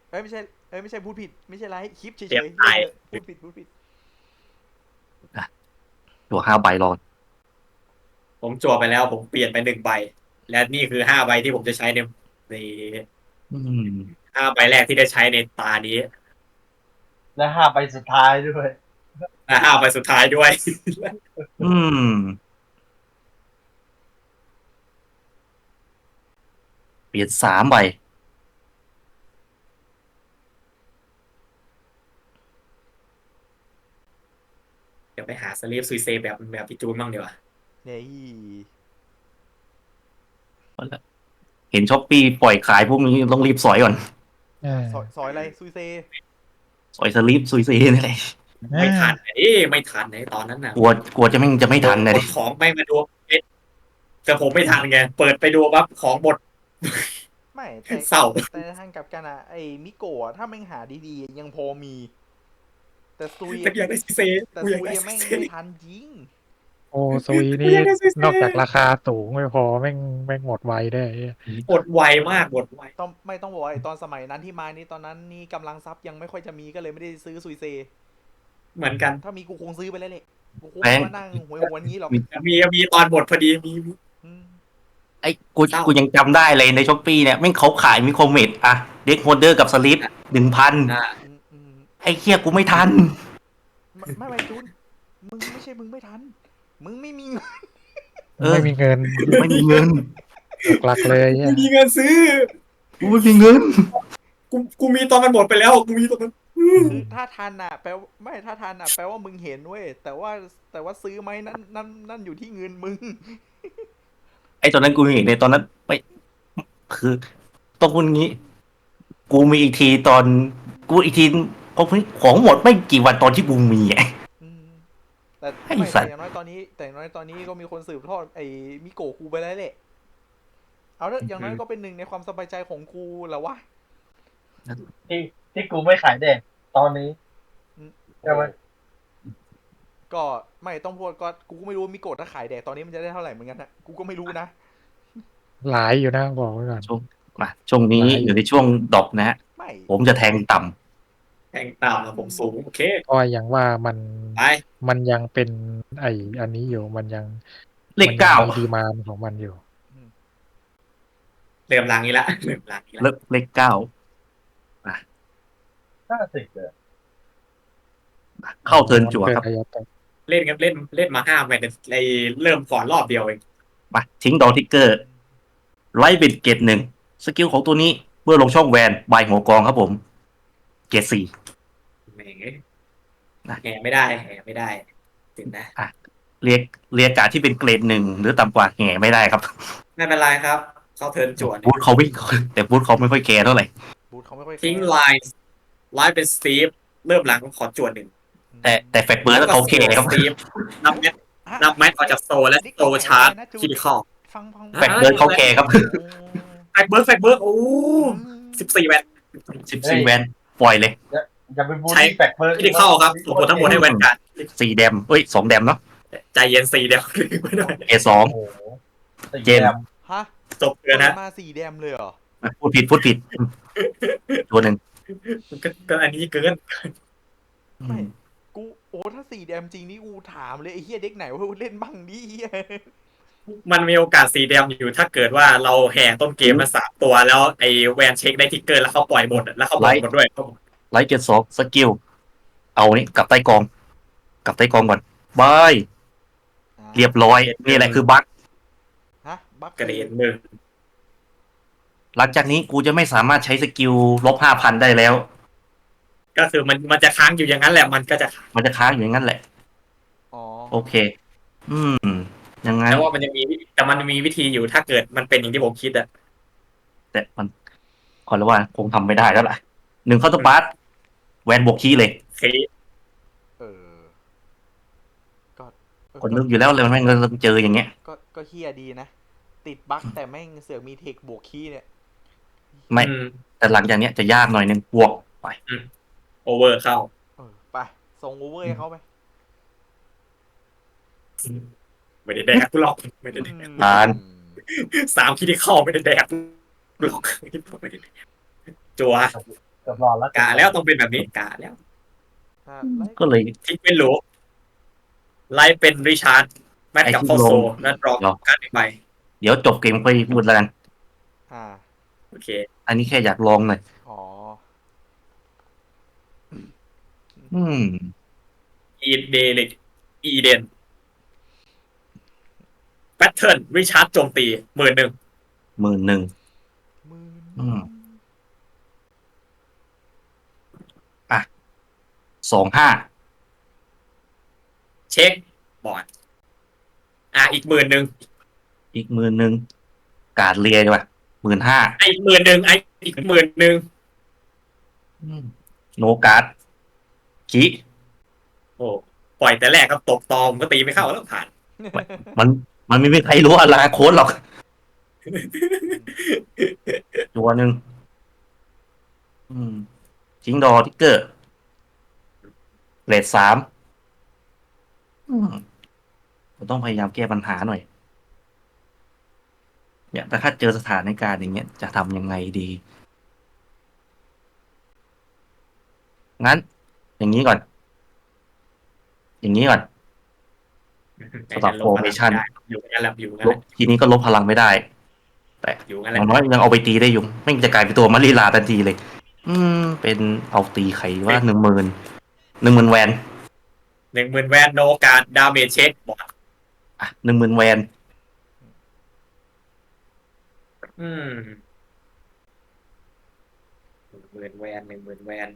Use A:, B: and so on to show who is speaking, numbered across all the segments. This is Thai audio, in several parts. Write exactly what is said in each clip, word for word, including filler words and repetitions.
A: เอ้ยไม่ใช่เอ้ยไม่ใช่พูดผิดไม่ใช่ไรคลิปเฉ
B: เตรียม
A: ยๆเล่น
B: ตาย
A: เถอะพูดผิดพูดผิด
C: อ่ะตัวห้าใบรอน
B: ผมจั่วไปแล้วผมเปลี่ยนไปหนึ่งใบและนี่คือห้าใบที่ผมจะใช้ในใน
C: อืม
B: ห้าใบแรกที่ได้ใช้ในตานี้
D: และห้าใบสุดท้ายด้วย
B: และห้าใบสุดท้ายด้วย
C: อืมเปลี่ยนสามใบ
B: เดี๋ยวไปหาสลีฟซุยเซแบบแบบพี่จูนบ้างดีกว่า
A: เนี่ย
C: เห็นช้อปปี้ปล่อยขายพวกนี้ต้องรีบสอยก่อน
D: เออ
A: ซอยซอยอะไรซุยเซ
C: สอยสลิปซุยซีนี่แหละ
B: ไม่ทันเอ้ไม่ทันในตอนนั้นน่ะ
C: กลัวกลัวจะไม่จะไม่ทันนะ
B: ก
C: ดิ
B: ดของไม่มาดูเอ๊ะแต่ผมไม่ทันไงเปิดไปดูปั๊บของหมด
A: ไม่แต่
B: เศร้า
A: แต่ทางกลับกันอะไอ้มิโกะถ้าแม่งหาดีๆยังพอมี แต่ซุย
B: แต่อยากได้ซุยเซ
A: แต่
B: กูอยาก
A: ซุย
B: ได้ซุยเซ
A: แม่งไม่ทันจริง
D: โอ้ซุย
B: กู
D: นี่
B: อยากได้ซุยเซ
D: นอกจากราคาสูงไม่พอแม่งแม่งหมดไวได้ไอ้เหี้ย
B: หมดไวมากหมดไว
A: ต้องไม่ต้องบอกว่าไอ้ตอนสมัยนั้นที่มานี่ตอนนั้นนี่กำลังทรัพย์ยังไม่ค่อยจะมีก็เลยไม่ได้ซื้อซุยเซ
B: เหมือนกัน
A: ถ้ามีกูคงซื้อไปแล้วแหละกูคง
C: แพง
A: ไม่มานั่งหวยหวนงี้หรอก
B: มีมีตอนหมดพอดีมีมี
A: อืม
C: ไอ้กู
B: เศร้า
C: กูยังจำได้เลยในช้อปปี้เนี่ยแม่งเขาขายมิโครเมดอะเด็กโฮลเดอร์กับสลิปหนึ่งพัน
B: อ่า
A: อืมอืม
C: ไอ้เคียกูไม่ทัน
A: ไม่ไม่ไม่จูนมึงไม่ใช่มึงไม่ทันมึงไม่มีเงิน
C: เออ
D: ไม่มีเงิน
C: ไม่มีเงิน
D: หลักๆเลย
B: กู
D: เนี่ย
B: มีเงินซื้อ
C: กูไม่มีเงิน
B: กูกูมีตอนมันหมดไปแล้วกูมีตอนมัน
A: คือถ้าทันอ่ะแปลว่าไม่ถ้าทันอ่ะแปลว่ามึงเห็นเว้ยแต่ว่าแต่ว่าซื้อไหมนั่นนั่นนั่นอยู่ที่เงินมึง
C: ไอ้ตอนนั้นกูเห็นในตอนนั้นไม่คือต้องพูดงี้ กูมีอีกทีตอนกูอีกทีของของหมดไม่กี่วันตอนที่กูมีอ่ะ
A: อืมแต่
C: ไอ้
A: ไม่
C: สัตว์
A: แต่อย่างน้อยตอนนี้แต่อย่างน้อยตอนนี้ก็มีคนสืบทอดไอ้มิโกะกูไปแล้วแหละเอาเถอะอย่างน้อยก็เป็นหนึ่งในความสบายใจของกูแหละวะ
D: ที่ที่กูไม่ขายเด็กตอนนี้ใช่ไหม
A: ก็ไม่ต้องพูดก็กูก็ไม่รู้ว่ามิโกะถ้าขายแดกตอนนี้มันจะได้เท่าไหร่เหมือนกันนะกูก็ไม่รู้นะ
D: หลายอยู่นะบอกไว้ก่อน
C: ช่วงมาช่วงนี้
D: หลายอยู่
C: อยู่ในช่วงดรอปนะฮะ
A: ไม่
C: ผมจะแทงต่
B: แข่งตามผมสูงโอเค
D: ก็อย่างว่ามัน
B: ไป
D: มันยังเป็นไออันนี้อยู่มันยัง
C: ำเลข
D: มันยัง
C: เก้า
D: มีดีมานด์ของมันอยู่
B: เริ่มล้างนี้ละเริ่มล้างนี้ละ
C: เลขเลขเก้า
D: ห้าสิบเลย
C: เข้าเทิร์นจั่ว
D: เกิน
C: ครับ
D: ระยะต่อ
B: เล่นกันเล่นเล่นมาห้าแมตช์ไอเริ่มก่อนรอบเดียวเอง
C: มาทิ้งดอทิกเกอร์ไลท์เป็นเกตหนึ่งสกิลของตัวนี้เมื่อลงช่องแวนบายหัวกองครับผมเกตสี่
B: แหมแหมไม่ได้แหมไม่ได้ถึงนะ
C: อ่ะเรียกเรียกการที่เป็นเกรดหนึ่งหรือต่ำกว่าแง่ไม่ได้ครับ
B: ไม่เป็นไรครับเขาเทิร์นจวน
C: บูธเขาไม่แต่บูธเขาไม่ค่อยแคร์เท่าไหร่
A: บูธเขาไม่ค่อยแค
B: ทิ้ง
A: ร์
B: ไลน์ไลน์เป็นสตีฟเริ่มหลังขอจวนหนึ่ง
C: แต่แต่แฟกเบิร์ดเขาแคร์ครับ
B: สตีฟนับแมทนับแมทออกจากโซและโซชาร์จคิดข้อ
A: ฟังฟัง
C: แฟกเบิร์ดเขาแคร์ครับ
B: แฟกเบิร์กแฟกเบิร์กโอ้สิบสี่แวน
C: สิบสี่แวนปล่อยเลย
D: อย่าไปบูล
B: ใช้
D: ลี่แฟกเบอร์
B: คิดเข้าครับส่งผลทั้งหมดให้แวนการ์ด
C: สี่แดมเอ้ยสองแดมเนาะ
B: ใจเย็นสี่เดียวไม่ได้
C: เอสอง
D: โอ้โหสี่
C: เจม
D: แต้ม
A: ฮะ
B: จบเลยนะ
A: มาสี่แดมเลยเหรอ
C: พูดผิดพูดผิดตัวหนึ่ง
B: ก็ก็อันนี้เกิน
A: ไม่กูโอ้ถ้าสี่แดมจริงนี่กูถามเลยไอ้เฮียเด็กไหนว่าเล่นบ้างดิเฮีย
B: มันมีโอกาสสีแดงอยู่ถ้าเกิดว่าเราแห่ต้นเกมมาสามตัวแล้วไอ้แวนเช็คได้ทิกเกอร์แล้วเขาปล่อยหมดแล้วเขาปล่อยหมดด้วย
C: ไลท์เกตสองสกิลเอานี่กลับใต้กองกลับใต้กองก่อนบายเรียบร้อยนี่แหละคือบั๊ก
A: ฮะบัก
B: กระเด็นหนึ่ง
C: หลังจากนี้กูจะไม่สามารถใช้สกิลลบห้าพันได้แล้ว
B: ก็คือมันมันจะค้างอยู่อย่างนั้นแหละมันก็จะ
C: มันจะค้างอยู่อย่างนั้นแหละ
A: อ๋อ
C: โอเค อืมยังไง
B: แต่ว่ามันจะมีแต่มันมีวิธีอยู่ถ้าเกิดมันเป็นอย่างที่ผมคิดอะ
C: แต่มันขอแล้วว่าคงทำไม่ได้แล้วล่ะหนึ่งเข้าตัวบาสแวนบวกคีย์เลย
B: เคส
A: เออก็เออ
C: คนนึกอยู่แล้วเลยมันไม่เงินเจออย่างเงี้ย
A: ก็ก็เฮียดีนะ ติดบั๊กแต่แม่งเสือกมีเทคบวกคีย์เนี่ย
C: ไม่
B: อืม
C: แต่หลังจากเนี้ยจะยากหน่อยนึงบวกไป
B: โอเวอร์เข้า
A: เออไปส่งโอเวอร์ให้เขาไป
B: ไม่ได้แดกกูหรอกไม่ได้แดก
C: ผ่าน
B: สามคิดที่เข้าไม่ได้แดกกูหรอกไม่ได้แดกจัว
D: กับรอแล้ว
B: กะแล้วต้องเป็นแบบนี้กะแล้ว
A: อ่าไล่
C: ก็เลย
B: ทิ้งเป็นโหลไล่เป็นริชาร์ดแมทกับ
C: ไอ้ที่
B: เข้าโซ
C: ลง
B: และดรอป
C: เดี๋ยว
B: การ์ดหนึ่งใบ
C: เดี๋ยวจบเกมค่อยพูดแล้วกัน
A: อ่า
B: โอเค
C: อันนี้แค่อยากลองหน่อย
A: อ๋อ
C: อืม
B: อีเดลิกอีเดนแพทเทิร์นริชาร์ดโจมตีหมื่นหนึ่ง
C: หมื่นหนึ่ง
A: หมืน
C: อืม สองห้า
B: เช็คบอร์ดอ่ะอีกหมื่นหนึ่ง
C: อีกหมื่นหนึ่งการดเรียดีกว่าหมื่นห้า
B: ไอ้อีกหมื่นหนึ่งไอ้อีกหมื่นหนึ่ง
C: โนการ์ดคิ
B: โอ้ปล่อยแต่แรกก็ตบตอมก็ตีไม่เข้าแล้วผ่าน
C: มันมันไม่มีใครรู้อนาคตหรอก ตัวหนึ่งอืมทิ้งดอทิกเกอร์เลทสามอืมเราต้องพยายามแก้ปัญหาหน่อย เนี่ยแต่ถ้าเจอสถานการณ์อย่างเงี้ยจะทำยังไงดี งั้น อย่างนี้ก่อน อย่างนี้ก่อน สำหรับ formation
B: อยู่งั้นแหละอยู่งั้น
C: ล
B: แห
C: บ
B: ละ
C: ทีนี้ก็ลบพลังไม่ได้ แต่
B: อยู่งั้น
C: อ
B: แหละ
C: ย่างน้อยยังเอาไปตีได้อยู่ไม่งจะกลายเป็นตัวมารีลาทันทีเลย อืม เป็นเอาตีไขว่าหนึ่งหมื่นหนึ่งหมื่นแวน
B: หนึ่งหมื่นแวนโนการดาเมจเช็คบอร์ด
C: อ่ะหนึ่งหมื่นแวน
B: อืมหนึ่งหมื่นแวนหนึ่งหมื่นแวน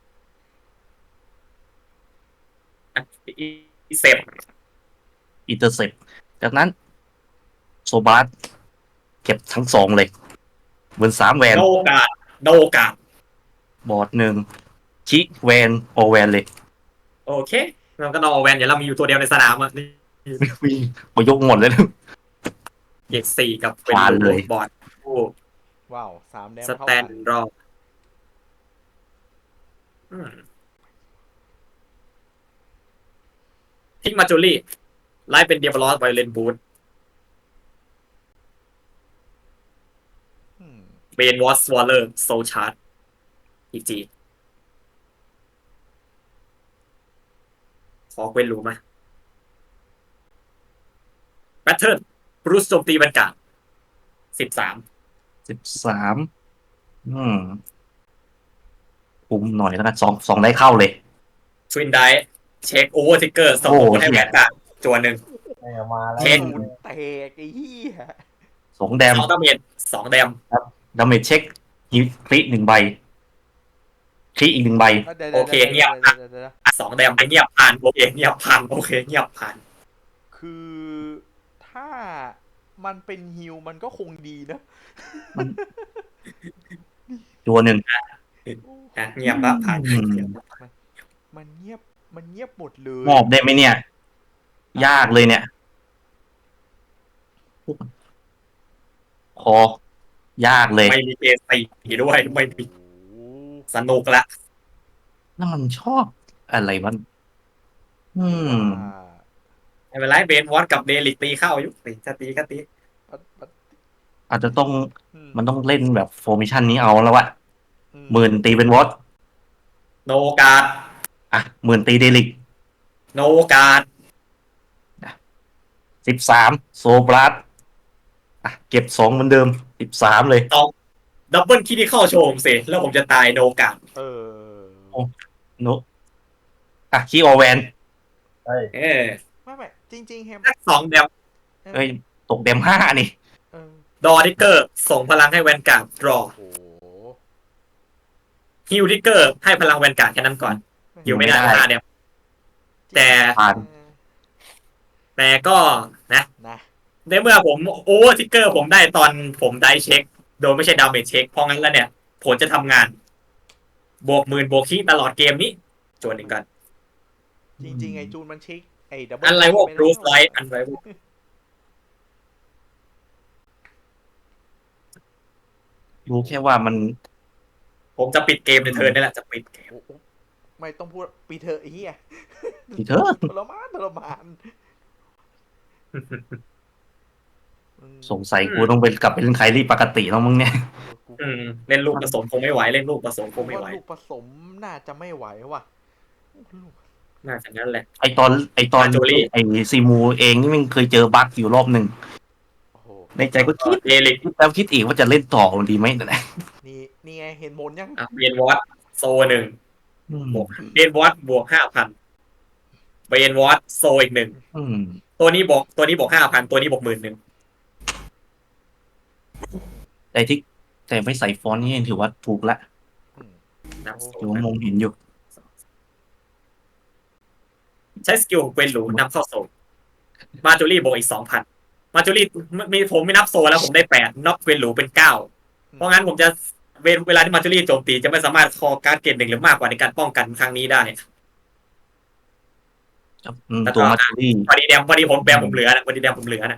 B: อ่ะอีเซฟ
C: อินเตอร์เซปจากนั้น โซบาสเก็บทั้งสองเลยเหมือนสามแวน
B: โนการดโนการด
C: บอร์ดหนึ่งชิแวนโอแวนเลย
B: โอเคมันก็นอแวนเดี๋ยวเรามีอยู่ตัวเดียวในสนามอ่ะนี่
C: วิ่งมายกหมดเลยนะ
B: เกียรสี่กับ
C: ผ่านเลย
B: บอร์ดผู้
A: ว้าวสามแดม
B: ส
A: เท่า
B: แต
A: กัน น
B: รออืมทิ้งมาจูลี่ไล่เป็นเดียบลอสไวเลนบูธ
A: อืม
B: เบนวอสวอลเลอร์โซชาร์ดอีจีขอเกวนรู้ไหมแพทเทิร์นบรูซโจมตีบรรกาศสิบสาม
C: สิบสามอืมคุมหน่อยแล้วกันสองสองได้เข้าเลย
B: ทวินไดเช็คโอเวอร์ทิกเกอร์ส่ง
C: โอ้
B: ผลให้
C: เหี้
B: แบ
C: ย
B: รกาศจวนหนึ่ง
D: เนี่ยมาแล้ว
B: เช็ค
A: ศูนย์แตกไอ้เหี้ย
C: สองแดม
B: สองดาเมจสองแดม
C: ดาเมจเช็คฮิคลิหนึ่งใบคลิอีกหนึ่งใบ
A: ดี๋ว
B: โอเค
A: ดี๋ว
B: เงียบ
A: ดี๋วดี๋วดี๋ว
B: สองแดมไปเงียบผ่านโอเคเงียบผ่านโอเคเงียบผ่าน
A: คือถ้ามันเป็นฮิวมันก็คงดีนะ
C: ตัวหนึ่ง
B: อ่ะเงียบละผ่าน
C: อืม
A: มันเงียบมันเงียบหมดเลย
C: มอบได้ไหมเนี่ย ยากเลยเนี่ย คอยากเลย
B: ไม่มีเกสีด้วยไม่มี
A: โอ้โห
B: สนุกละ
C: นั่นมันชอบอะไรมัน อืม
B: ไม่เป็นไรเบนวอตกับเดลิกตีเข้าอยู่ตีจะตีก็ตี
A: ว่ามัน
C: อาจจะต้อง
A: อืม
C: มันต้องเล่นแบบโฟมิชันนี้เอาแล้ววะ
A: อื
C: หมื่นตีเป็นวอต
B: โนการ์ด
C: อ่ะหมื่นตีเดลิก
B: โนการ์ด
C: สิบสามโซบลัสอ่ะเก็บสองเหมือนเดิมสิบสามเลย
B: ตองดับเบิลคิดที่เข้าโชว์ผมสิแล้วผมจะตายโนการ์ด
A: เออ
C: โนอ่ะคีย์ออแวน
D: เฮ้ย
B: เออ
A: ไม่ไม่จริงๆแฮม
B: แค่สองแดม
C: เอ้ย ตกเดมห้านี่
A: เออ
B: ดอทิกเกอร์ส่งพลังให้แวนการ์ดรอ
A: โอ้โห
B: ฮิวทิกเกอร์ให้พลังแวนการ์ดแค่นั้นก่อนฮิวไม่ได้
C: ไม่ได้
B: ห้าแดม แต่
C: ผ่าน
B: แต่ก็นะ
A: นะ
B: ในเมื่อผมโอเวอร์ทิกเกอร์ผมได้ตอนผมได้เช็ค โดยไม่ใช่ดาเมจเช็ค เพราะงั้นแล้วเนี่ย ผลจะทำงาน บวกหมื่นบวกขี้ตลอดเกมนี้จวนหนึ่งกัน
A: จริงๆไอ้จูนมันเช็คไอ้ดับเบิล
B: อันไรวอลบรูซไลท์อันไรวอล
C: รู้แค่ว่ามัน
B: ผมจะปิดเกมในเทิร์นนี่แหละจะปิดเกม
A: โอ้โหไม่ต้องพูดปีเถอะไอ้เหี้ย
C: อีเถอะ
A: ทรมานทรมานอืม
C: สงสัยกูต้องไปกลับไปเล่นไคลี่ปกติแล้วมึงเนี่ย
A: เออกู
B: อืมเล่นลูกผสมคงไม่ไหวเล่นลูกผสมค
A: ผม
B: งไม่
A: ว่า
B: ไหว
A: ลูกผสมน่าจะไม่ไหวว่ะลูก
B: น่าจะงั้นแหละ
C: ไอตอนไอตอน
B: มาโจลี่
C: ไอซีมูเองนี่มันเคยเจอบั๊กอยู่รอบหนึ่ง
A: โอ้โห
C: ในใจก็คิด
B: เอลิก
C: คิดแล้วคิดอีกว่าจะเล่นต่อดีไหมนะ
A: นี่นี่ไงเห็นผลยัง
B: อ่ะเบนวอตโซหนึ่ง
C: อืม
B: บวกเบนวอตบวกห้าพันเบนวอตโซอีกหนึ่ง
C: อืม
B: ตัวนี้บอกตัวนี้บอกห้าพันตัวนี้บอกหมื่นหนึ่ง
C: แต่ที่แต่ไม่ใส่ฟอนต์นี่ถือว่าถูกละ
A: อืม
B: นับโซ
C: ถือว่ามองเห็นอยู่
B: ใช้สกิลของเกวนหรูนำเข้าโซมาจูรี่บวกอีกสองพันมาจูรี่มีผมไม่นับโซแล้วผมได้แปดนับเกวนหรูเป็นเก้าเพราะงั้นผมจะเวเวลาที่มาจูรี่โจมตีจะไม่สามารถคอการ์ดเกรดหนึ่งหรือมากกว่าในการป้องกันครั้งนี้ได้
C: อืมตัวมาตูรี่
B: พอดีแดมพอดีผมแบมผมเหลือนะพอดีแดมผมเหลือนะ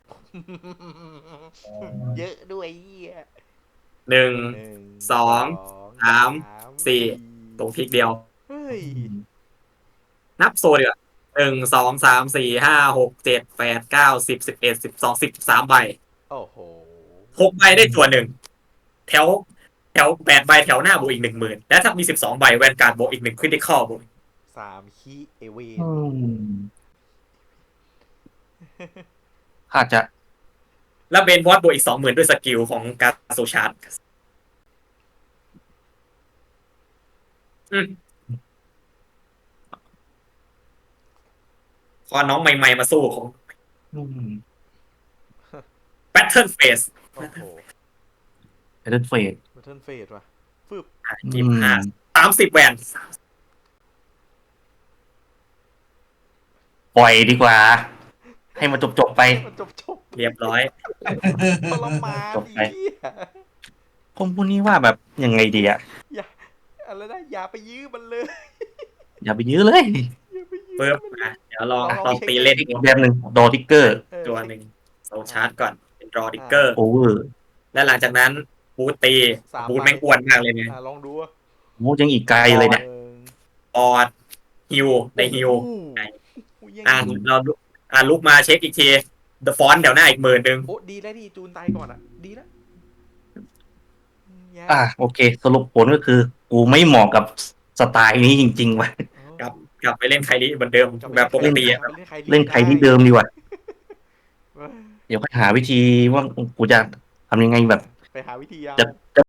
A: เยอะด้วยเหี้ย
B: หนึ่ง
A: หนึ่ง
B: สองสามสี่ตรงพลิกเดียว
A: เฮ้ย
B: นับโซเดียวาหนึ่งสองสามสี่ห้าหกเจ็ดแปดเก้าสิบสิบเอ็ดสิบสองสิบสามใบ
A: โอ้โห
B: หกใบได้ตัวหนึ่งแถวแถวแปดใบแถวหน้าบวกอีกหนึ่งหมื่นและถ้ามีสิบสองใบแวนการ์ดบวกอีกหนึ่งคริติคอลบวก
A: สามคีเอเวน
C: อืมอาจจะ
B: แล้วเบนวอตบวกอีกสองหมื่นด้วยสกิลของการ์ดโซชาร์ดอืมพอน้องใหม่ๆมาสู้ของ
C: อืม
B: Battle Phase
A: โอ้โห
C: เอเดนเฟด
A: บัตเทิลเฟดว่ะฟึบ
B: ยี่สิบห้าสามสิบแวน
C: ปล่อยดีกว่า ให้มันจบจบๆไป
A: มันจบจบ
B: เรียบร้อย
A: ทรมาน
C: จบไป
A: อีเหี้ย
C: ผมพูดนี้ว่าแบบยังไงดีอะ
A: อย่าอะไรนะอย่าไปยื้อมันเลย
C: อย่าไปยื้อเลย
A: อย่าไปยื้อ
B: เพิ่ม
A: มันเลย
B: อ่ะเดี๋ยวลอง
A: ลอง
B: ลอง
A: เช็ค
B: ตีเล่น
C: อีกแบบหนึ่งดอทิกเกอร์
A: เออ
B: ตัวหนึ่งโซชาร์ดก่อนเป็นรอดิกเกอร์
C: โอเวอร์
B: และหลังจากนั้นบูทตี
A: สาม
B: บูท
A: ใบ
B: แม่งอ้วนมากเลยเนี่ย
A: อ่ะลองดูว่า
C: โอ้ยังอีกไกลเลยเนี่ย
A: หนึ่ง
B: ออดฮิวในฮิว
A: โอ้โห
B: ไหน
A: โอ้ยยัง
B: อ่ะเราอ่ะลุกมาเช็คอีกที The Font แถวหน้าอีกหมื่นหนึ่ง
A: โอ้ดีแล้วดีจูนตายก่อนอ่ะ ดีแล้วอืมอย่า
C: อ่ะโอเค สรุปผลก็คือ กูไม่เหมาะกับสไตล์นี้จริงๆว่ะ
B: กลับกลับไปเล่นใครนี้เหมือนเดิมแบบปกติอะ
A: กลับไป
C: เล่นใครที่เดิมดีกว่า
A: ได้
C: เดี๋ยวก็หาวิธีว่ากูจะทำยังไงแบบ
A: ไปหาวิธีเอา
C: จะจะ